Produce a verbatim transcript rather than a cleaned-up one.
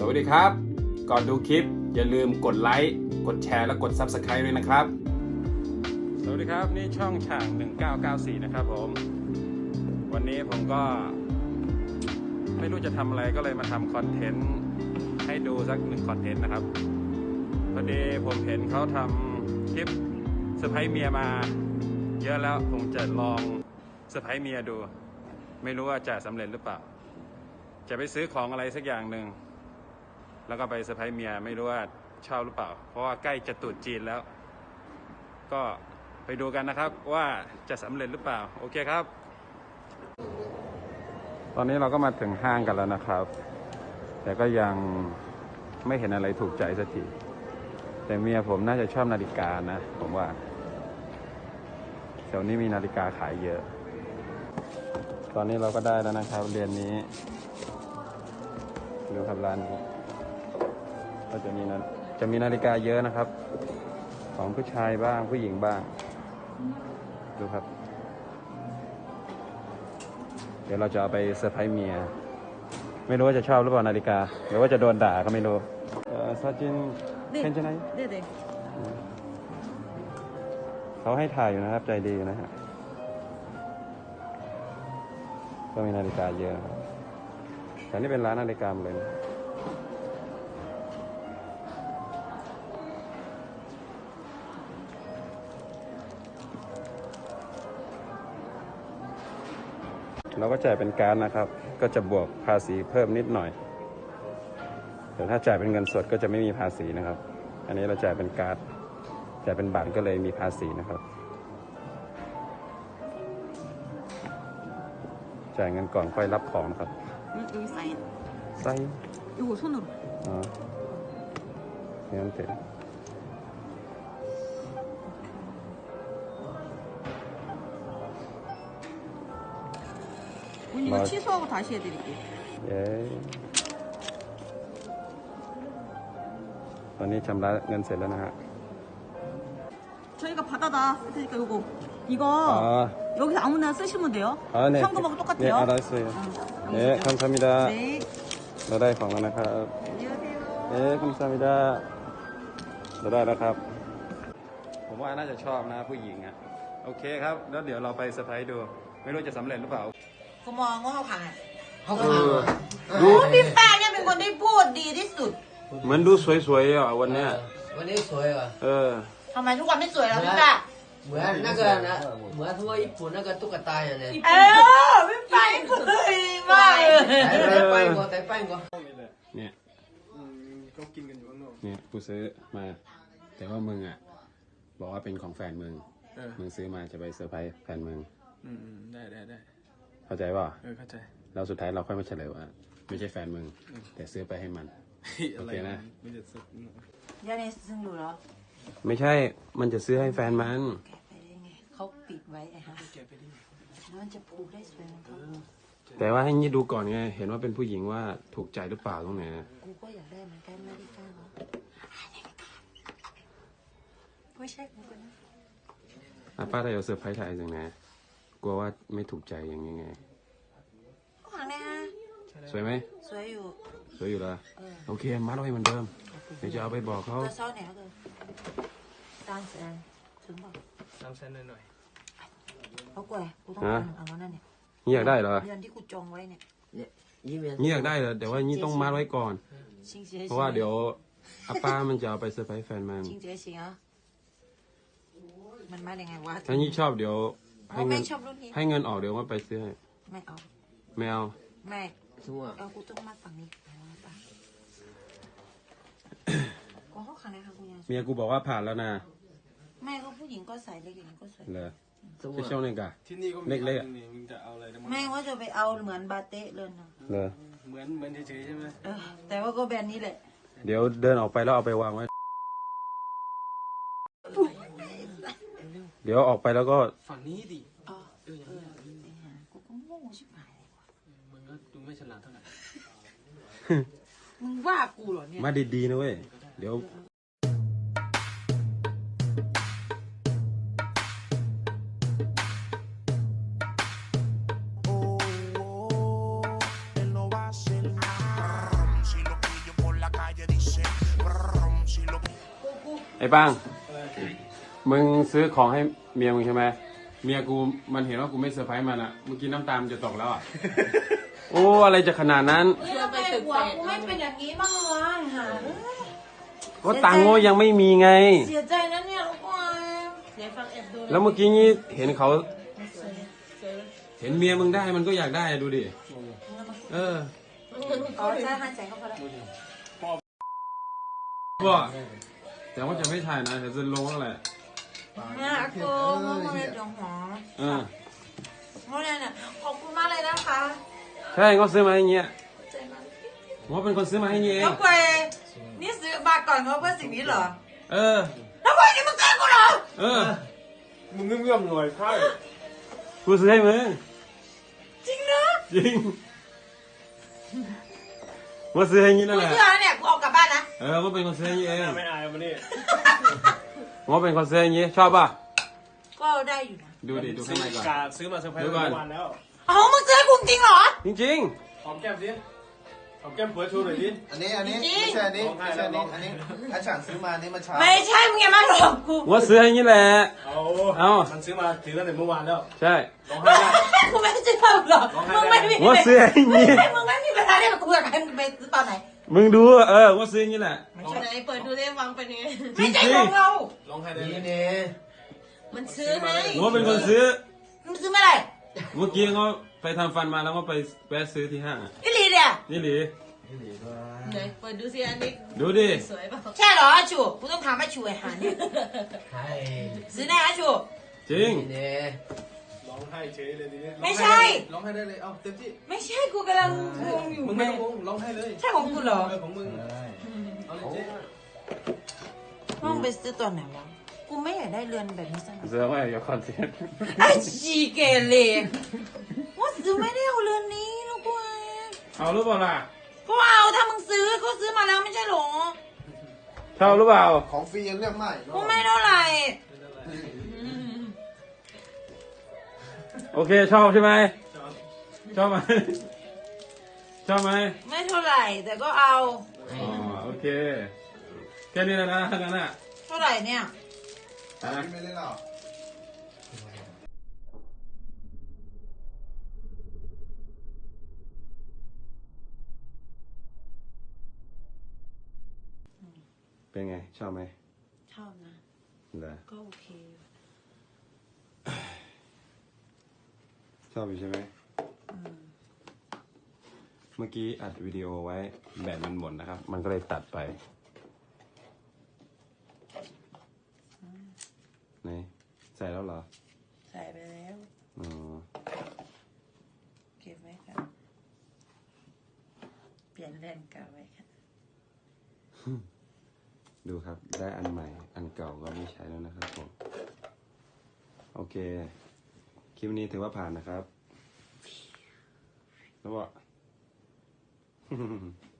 วัสดีครับก่อนดูคลิปอย่าลืมกดไลค์กดแชร์และกด ซับสไครบ์ ด้วยนะครับสวัสดีครับนี่ช่องฉ่างหนึ่งเก้าเก้าสี่นะครับผมวันนี้ผมก็ไม่รู้จะทำอะไรก็เลยมาทำคอนเทนต์ให้ดูสักหนึ่งคอนเทนต์นะครับพอดีผมเห็นเขาทำคลิปเซอร์ไพรส์เมียมาเยอะแล้วผมจะลองเซอร์ไพรส์เมียดูไม่รู้ว่าจะสำเร็จหรือเปล่าจะไปซื้อของอะไรสักอย่างหนึ่งแล้วก็ไปเซอร์ไพรส์เมียไม่รู้ว่าชอบหรือเปล่าเพราะว่าใกล้จะตรุษจีนแล้วก็ไปดูกันนะครับว่าจะสำเร็จหรือเปล่าโอเคครับตอนนี้เราก็มาถึงห้างกันแล้วนะครับแต่ก็ยังไม่เห็นอะไรถูกใจสักทีแต่เมียผมน่าจะชอบนาฬิกานะผมว่าแถวนี้มีนาฬิกาขายเยอะตอนนี้เราก็ได้แล้วนะครับเรียนนี้ดูครับร้านนี้ก็จะมีนะจะมีนาฬิกาเยอะนะครับของผู้ชายบ้างผู้หญิงบ้างดูครับเดี๋ยวเราจะเอาไปเซอร์ไพรส์เมียไม่รู้ว่าจะชอบหรือเปล่านาฬิกาหรือว่าจะโดนด่าก็ไม่รู้เออซาจินเห็นใช่ไหมเขาให้ถ่ายอยู่นะครับใจดีนะฮะก็มีนาฬิกาเยอะแต่นี่เป็นร้านนาฬิกาเลยนะเราก็จ่ายเป็นการ์ดนะครับก็จะบวกภาษีเพิ่มนิดหน่อยแต่ถ้าจ่ายเป็นเงินสดก็จะไม่มีภาษีนะครับอันนี้เราจ่ายเป็นการ์ดจ่ายเป็นบัตรก็เลยมีภาษีนะครับจ่ายเงินก่อนค่อยรับของครับ 여기 사인 사인 이거 손으로 아 얘한테 언니 이거 취소하고 다시 해드릴게요 예ตอนนี้ชำระเงินเสร็จแล้วนะฮะ 저희가 받아다 쓸 테니까 요거 이거 아. 여기서 아무나 쓰시면 돼요 아, 네. 현금하고 똑같아요 네, 알았어요. 응, 네, 감사합니다. 네. เราได้ของแล้วนะครับ 안녕하세요. เอ๊ะคุณซามิดาเราได้แล้วครับผมว่าน่าจะชอบนะผู้หญิงอ่ะโอเคครับแล้วเดี๋ยวเราไปเซอร์ไพรส์ดูไม่รู้จะสำเร็จหรือเปล่าก็มองว่าเขาขายเขาขายดูพี่แป้งเนี่ยเป็นคนที่พูดดีที่สุดเหมือนดูสวยๆอ่ะวันเนี้ยวันนี้สวยว่ะเออทำไมทุกวันไม่สวยแล้วพี่แป้งเหมือนนั่นก็นะเหมือนทั่วญี่ปุ่นนั่นก็ตุ๊กตาอย่างนี้เออพี่แป้งพูดดีมากเลยแต่ไปก่อนแต่ไปก่อนเนี่ยก็กินกันอยู่ข้างนอกเนี่ยกูซื้อมา แต่ว่ามึงอ่ะบอกว่าเป็นของแฟนมึงมึงซื้อมาจะไปเซอร์ไพรส์แฟนมึงอืมได้ได้ได้เข้าใจป่ะเออเข้าใจแล้วสุดท้ายเราค่อยมาเฉลยว่าไม่ใช่แฟนมึงแต่ซื้อไปให้มันโอเคนะไม่จะสุดยันเนซึ่งดูแล้วไม่ใช่มันจะซื้อให้แฟนมันแกะไปได้ไงเขาปิดไว้ไอ้ฮะแกไปดิแล้วมันจะผูกได้สวยของเขาแต่ว่าให้ยี่ดูก่อนไงเห็นว่าเป็นผู้หญิงว่าถูกใจหรือเปล่าตรงไหนนะกูก็อยากได้เหมือนกันไม่ได้กล้าเนาะไม่ใช่กูกันนะอ่ะป้าได้เอาเซอร์ไพรส์ถ่ายจังนะกลัวว่าไม่ถูกใจอย่างยังไงก็หวังนะสวยไหมสวยอยู่สวยอยู่ละโอเคมัดไว้เหมือนเดิมเดี๋ยวจะเอาไปบอกเขาเราเศร้าไหนก็คือตามแสนถึงบอกสามเซนหน่อยเขากลัวกูต้องการเอาแล้วนั่นเนี่ยนี่อยากได้เหรอเดือนที่กูจองไว้เนี่ยยิ้มเย็นนี่อยากได้เหรอแต่ว่านี่ต้องมัดไว้ก่อน เพราะว่าเดี๋ยวอาป้ามันจะเอาไปเซอร์ไพรส์แฟนมันจริงเจ๊จริงอ่ะมันมาได้ไงวะถ้านี่ชอบเดี๋ยวให้เงิไม่นชอบรุ่นนี้ให้เงินออกเดี๋ยวมาไปซื้อให้ไม่เอาไม่เอาไม่ทั่วเอากูต้องมาฝั่งนี้ก็เขาขนาดค่ะคุณยายเมียกูบอกว่าผ่านแล้วนะแม่ก็ผู้หญิงก็ใส่เล็กอย่างนี้ก็สวยเลยทั่วจะช่วงนึงกะที่นี่ก็มีเล็กๆอะนี่มึงจะเอาอะไรนะแม่ว่าจะไปเอาเหมือนบาเต้เลยนะเลยเหมือนเหมือนเฉยๆใช่ไหมเออแต่ว่าก็แบรนด์นี้แหละเดี๋ยวเดินออกไปแล้วเอาไปวางไว้ เดี๋ยวออกไปแล้วก็ฝั่งนี้ดิอ๋อเอออย่างเอนี้อกูก็โง่ชิบหายเลยว่ะมึงก็ดูไม่ฉลาดเท่าไหร่มึงว่ากูเหรอเนี่ยมาดีๆนะเว้ยเดี๋ยวอ้ปังมึงซื้อของให้เมียมึงใช่ไหมเมียกูมันเห็นว่ากูไม่เซอร์ไพรส์มันอะเมื่อกี้น้ำตามันจะตกแล้วอะโอ้อะไรจะขนาดนั้นเฮ้ยทำไมหัวกูไม่เป็นอย่างนี้บ้างวะหาก็ตังค์โง่ยังไม่มีไงเสียใจนะเนี่ยลูกวายเดี๋ยวฟังแอบดูแล้วเมื่อกี้นี้เห็นเขา เห็นเมียมึงได้มันก็อยากได้ดูดิเอออ๋อใช่ห้าแสนก็พอแล้วก็แต่ว่าจะไม่ถ่ายนะแต่จะลงแล้วแหละนะกูมึงเลยจังหวะเออเพราะเนี่ยขอบคุณมากเลยนะคะใช่เขาซื้อมาให้เงี้ยผมว่าเป็นคนซื้อมาให้เงี้ยเองแล้วกูนี่ซื้อมาก่อนเขาเพื่อสิ่งนี้เหรอเออแล้วกูนี่มึงซื้อกูเหรอเออมึงเงื่อมๆหน่อยใช่กูซื้อให้มึงจริงนะจริงว่าซื้อให้งี้นั่นกูแหละเชื่อแล้วเนี่ยกูเอากลับบ้านนะเออว่าเป็นคนซื้อให้งี้เองไม่อายมันนี่ว่าเป็นคนซื้อให้งี้ชอบป่ะก็ได้อยู่นะดูดิดูข้างในก่อนกาซื้อมาเซอร์ไพรส์เดี๋ยวก่อนเมื่อวานแล้วอ๋อมึงซื้อให้กูจริงเหรอจริงหอมแก้มสิหอมแก้มเปิดชูหน่อยดิอันนี้อันนี้จริงไม่ใช่อันนี้ไม่ใช่อันนี้อันนี้อาจารย์ซื้อมาอันนี้มาเช้าไม่ใช่มึงอย่ามาหลอกกูๆว่าซื้อให้งี้แหละเอาเอามันซื้อมาถือตั้งแต่เมื่อวานแล้วใช่ร้องไห้ได้กูไม่ใช่เปล่าหรอกมึงไม่มีว่าซื้อให้งี้ไม่มึงไม่มีเวลาได้มาคุยกับใครมึงไปซื้อตอนไหนมึงดูเออว่าซื้อให้งี้แหละไม่ใช่ไหนเปิดดูได้ฟังเป็นยังไงจริไม่งๆใช่ของเราร้องไห้ได้นี่เลยเนี่ยมันซื้อให้ว่าเป็นคนซื้อมึงซื้อเมื่อไหร่เมื่อกี้เขาไปทำฟันมาแล้วก็ไปแวะซื้อที่ห้างอะอีหลีเนี่ยนี่หลีไหนเปิดดูสิอันนี้ดูดิสวยป่ะใช่เหรออาชูกูต้องถามอาชูไอ้หาเนี่ยใช่ซื้อแน่อาชูจริงนี่เนี่ยร้องไห้เฉยเลยทีนี้ไม่ใช่ร้องไห้ได้เลย เอาเต็มที่ไม่ใช่กูกำลังงงอยู่มึงไม่ต้องงงร้องไห้เลยใช่ของกูเหรอเออของมึง เอาเลยเจ๊ห้องไปซื้อตอนไหนวะกูไม่อยากได้เรือนแบบนี้สักหน่อยเสือว่าอย่าคอนเทนต์ไอ้ชีเกเรว่าซื้อไม่ได้เอาเรือนนี้ลูกกูเอาหรือเปล่าล่ะก็เอาถ้ามึงซื้อเขาซื้อมาแล้วไม่ใช่หรอชอบหรือเปล่าของฟรียังเลือกไม่กูไม่เท่าไหร่โอเคชอบใช่ไหมชอบไหมชอบไหมไม่เท่าไหร่ แต่ก็เอาอ๋อโอเคแค่นี้แล้วนะทั้งนั้นอ่ะเท่าไหร่เนี่ยอ่ะไม่เล่นหรอกเป็นไงชอบไหมชอบนะเหรอก็โอเคชอบอยู่ใช่ไหมเมื่อกี้อัดวิดีโอไว้แบตมันหมดนะครับ มันก็เลยตัดไปไหนใส่แล้วเหรอใส่ไปแล้วอ๋อเก็บไว้ค่ะเปลี่ยนแลนเก่าไว้ค่ะดูครับได้อันใหม่ อันเก่าก็ไม่ใช้แล้วนะครับผมโอเคคลิปนี้ถือว่าผ่านนะครับแล้วว่า